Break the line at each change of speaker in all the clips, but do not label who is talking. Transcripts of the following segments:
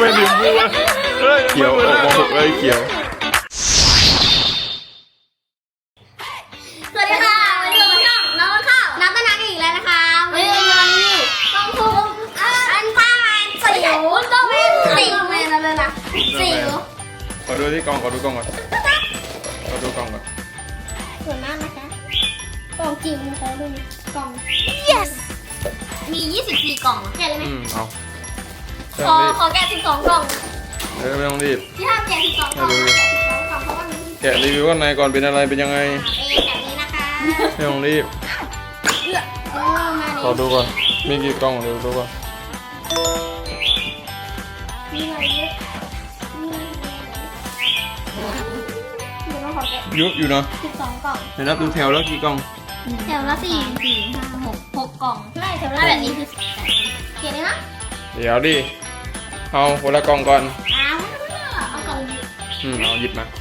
ไม่ถึงกูเขียวออกมาหกเลยเขียว
สวัสดีค่ะวันนี้ช่องน้องข้าวน้ำต้นน้ำอีกแล้วนะคะวันนี้เราอยู่ต้องคุมอันป้าสิวต้องไม่สิวเลยนะสิว
ขอดูที่กล่องขอดูกล่องก่อนขอดูกล่องก่อน
สวยมากนะคะกล่องจริงเขาดูกล่อง yes มี24กล่องแกะเลยไหมขอแกะ12กล่อง
ไม่ต้องรีบ
ที่ห้ามแกะ12กล่องเพราะว่า
แกะรีวิวข้างในก่อนเป็นอะไรเป็นยังไง
แบบนี้นะคะ
ไม่ต้องรีบขอดูก่อนมีกี่กล่องเดี๋ยวดูก่อนเยอะอยู่นะ
12กล่อง
เดี๋ยวนับดูแถวแล้วกี่กล่อง
แถวละ4 4 5 6 6กล่องใช่แถวละแบบนี้คือ18เกลียดเลยนะ
เดี๋ยวดิเอาคนละกล่องก่อน
เอากล่อง
เอาหยิบมา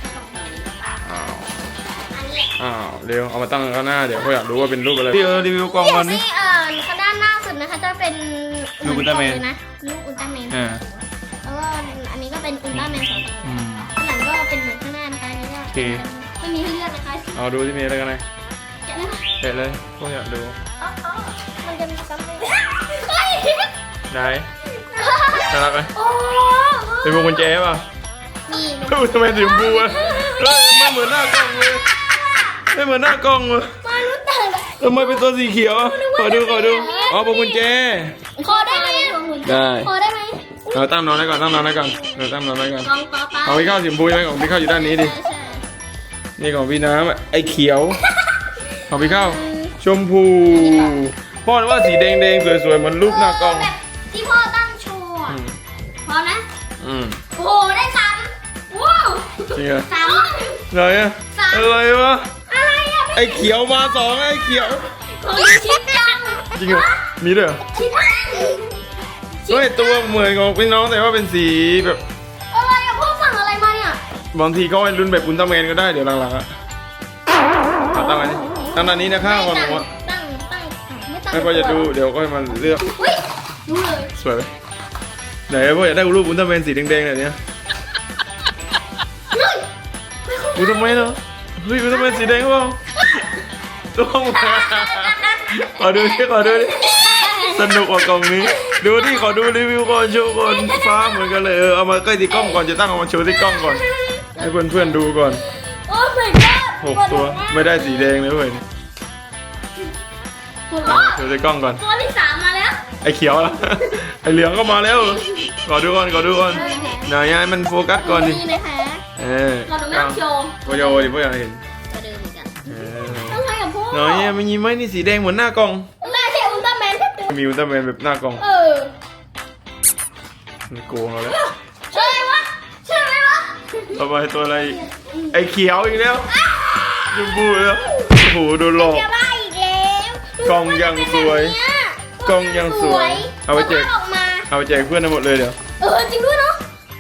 อ้าวเร็วเอามาตั้งข้างหน้าเดี๋ยวเขาอยากรู้ว่าเป็นรูปอะไรที่รีวิวกล่องก่อนนี่
ข้างด้านหน้าสุดนะคะจะเป็น
ลูกอุลตร้าแมน
นะลูกอุลตร้าแมนแล้วก็อันนี้ก็เป็นอุลตร้าแมน2ตัวข้างหลังก็เป็นเหมือนข้างหน้านะคะนี่ก็ไม่มีให้เลือกนะคะ
เอาดูที่มีอะไรกันไหนแกะเลยพวกอยากดู
มันจะมีซ้ำเลย
ไหนน่ารักไหมเป็นพวงกุญแจป่ะ
มี
ทำไมถึงบูอ่ะไม่เหมือนหน้ากล้องเลยไม่เหมือนหน้ากล้องเลยทำไมเป็นตัวสีเขียวขอดูอ๋อพวงกุญแจ
ขอได้ไหม
ได้
ขอได้ไหม
เราตั้งนอนไว้ก่อนตั้งนอนไว้ก่อนเอาพี่ข้าวสีชมพูใช่ไหมของพี่ข้าวอยู่ด้านนี้ดินี่ของพี่น้ำไอ้เขียวของพี่ข้าวชมพูพ่อว่าสีแดงสวยๆมันรูปหน้ากล้อง
ที่พ่อตั้งโชว์พอนะโอ้โหได้3ว้าว
จริงเหรอ
3
อะไรอะอะไรวะไอ้เขียวมา2ไอ้เขียว
ชิดจัง
จริงเหรอมีด้วยเหรอ
ชิด
เฮ้ยตัวเหมือนของพี่น้องแต่ว่าเป็นสีแบบ
อะไรอะพ่อสั่งอะไรมาเนี่ย
บางทีเขาให้รุ่นแบบอุลตร้าแมนก็ได้เดี๋ยวหลังๆอะตั้งอันนี้ตั้งอันนี้นะข้าวก่อนผมว่าไม่พอจะดูเดี๋ยวก็มาเลือก
ดูเลย
สวยไหมไหนพ่ออยากได้รูปอุลตร้าแมนสีแดงๆแบบนี้อุลตร้าแมนเหรอเฮ้ยอุลตร้าแมนสีแดงเปล่าต้องมาขอดูดิสนุกกว่ากล่องนี้ดูที่ขอดูรีวิวก่อนโชว์ก่อนฟ้าเหมือนกันเลยเอามาใกล้ที่กล้องก่อนจะตั้งเอามาโชว์ที่กล้องก่อนให้เพื่อนๆดูก่อน
โอ้ my god
6ตัวไม่ได้สีแดงเลยเพื่อนโชว์ที่กล้องก่อน
ตัวที่3มาแล้ว
ไอ้เขียวละไอ้เหลืองก็มาแล้วขอดูก่อนไหนให้มันโฟกัสก่อนดิ
เราไม่ต้องโชว์
โยดิพ่ออยากเห็น
ต้องให้กับพ่อ
หน่อยมันยิ้มไหมนี่สีแดงเหมือนหน้ากล้อง
หน้าใช่อุลตร้าแมนแค่ตัว
มีอุลตร้าแมนแบบหน้ากล้องมันโกงเราแล้ว
ใช่ไหมวะ
ต่อไปตัวอะไรไอ้เขียวอีกแล้วดูบูแล้วโอ้โหโดนหลอกกล่องยังสวยเอาไปแจกเพื่อนทั้งหมดเลยเดี๋ยว
จริงด้วยเนาะ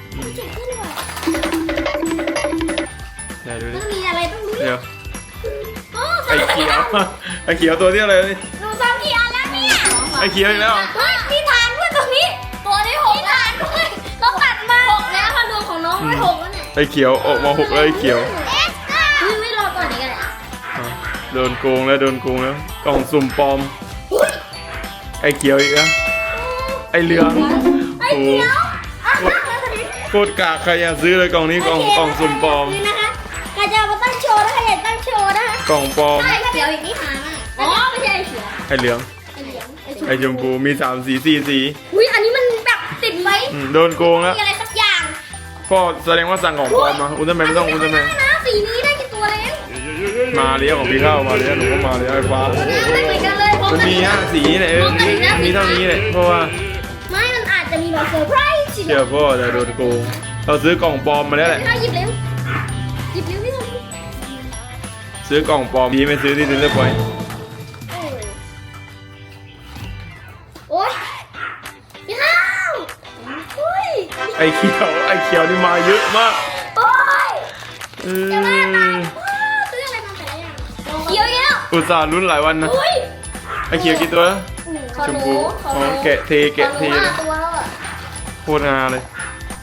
ดูดิ
ต้องมีอะไรต้องดู
เดี๋ยวไอ้เขียวตัวที่อะไรนี่
ดูซ้ำกี่อันแล้วเนี่ย
ไอ้เขียวอีกแล้ว
พี่ทานด้วยตรงนี้ตัวที่6พี่ทานด้วยต้องตัดมา6แล้วค่ะรวมของน้องไม่6แล้วเนี่ย
ไอ้เขียวออกมา6เลยไอ้เขียว
ไม่รอก่อนนี้กัน
โดนโกงแล้วกล่องสุ่มปลอมไอ้เขียวอีกแล้วไอ้เหลืองโอ้โคตรกากใครอยากซื้อเลยกล่องนี้กล่องสุ่มปลอม
ใครจะมาตั้งโชว์นะใครอยากตั้งโชว์นะ
กล่องปลอม
ไอ้เขียวอีกนี่หามากอ๋อไม่ใช่ไอ้เขียว
ไอ้เหลืองไอ้ชมพูมี3 สี4 สี
อุ้ยอันนี้มันแบบติดไว้
โดนโกงแล้ว
มีอะไรสักอย่าง
พ่อแสดงว่าสั่งของปลอมมาอุลตร้าแมนไม่ต้องอุลตร้าแมน
สีนี้ได้กี่ตัวแล้ว
มาเลี้ยงของพี่เข้ามาเลี้ยงหนูก็มาเลี้ยงไอ้ฟ้ามันมี5 สีเลยมีเท่านี้เลยเพราะว่า
ไม่มันอาจจะมีแบบเซอร์ไพรส์
เชื่อพ่อแต่โดนโกงเราซื้อกล่องปลอมมาแล้วแหละ
หยิบเร็วพี่
ซื้อกล่องปลอมดีไม่ซื้อที่เซ็นเตอร์พอยต์
โอ๊ยพี่ข้าว
ไอ้เขียวนี่มาเยอะมาก
โอ๊ยจะมาตายซื้ออะไรมาแต่ละอย่างเขียวเยอะ
อุตส่าห์ลุ้นหลายวันนะไอ้เขียวกี่ตัวชมพูแกะเทโคตรงาเลย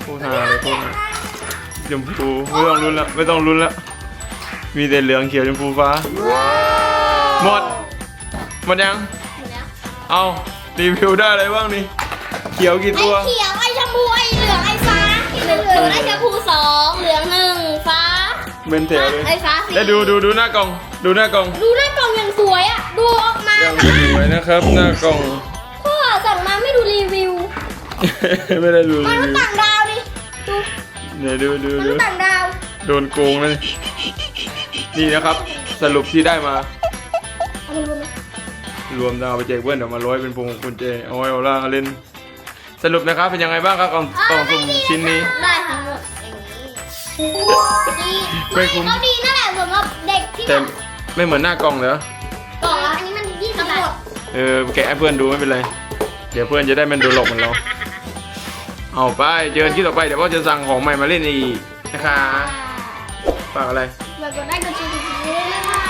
พูดหาเลยพูดชมพูไม่ต้องลุ้นแล้วไม่ต้องลุ้นแล้วมีแต่เหลืองเขียวชมพูฟ้าหมดยัง
หมดแล้ว
เอารีวิวได้อะไรบ้างนี่เขียวกี่
ไอ้
ตัว
เขียวไอ้ชมพูไอ้เหลืองไอ้ฟ้าเหลืองไอ้ชมพู2เหลือง1ฟ้า
เป็นแถวเลย
ไอ้ฟ้า4
แล้วดูหน้ากล่องดูหน้ากล่อง
ดูหน้ากล่องอย่างสวยอ่ะดูออกมา
ยังสวยนะครับหน้ากล่อง
พ่อสั่งมาไม่ดูรีวิว
ไม่ได้ดู
ม
รี
นุษ
วิ
ย์
ว
ต่างดาวดิ
เนี่ยดู
มนุษย์ต่างดาว
โดนโกงเลยนี่นะครับ สรุปที่ได้มา
เอามารวมไหม
รวมดาวไปแจกเพื่อนเดี๋ยวมาร้อยเป็นพวงกุญแจเอาไว้เอาล่ะเล่นสรุปนะครับเป็นยังไงบ้างครับกล่องสุ่มชิ้นนี้
ได้ทั้งหมดอย่างนี้
ไม่คุ้ม
ก็ดีนั่นแหละสำหรับเด็กที่
แต่
แบบ
ไม่เหมือนหน้ากล่องเหรอก
ล่องละอันนี้มัน20 บาท
แกะให้เพื่อนดูไม่เป็นไรเดี๋ยวเพื่อนจะได้มันดูหลอกเหมือนเราเอาไปเจอกันที่ต่อไปเดี๋ยวพ่อจะสั่งของใหม่มาเล่นอีกนะคะฝากอะไร
แบบกดไลค์กดแชร์กดติดตามด้วยนะคะ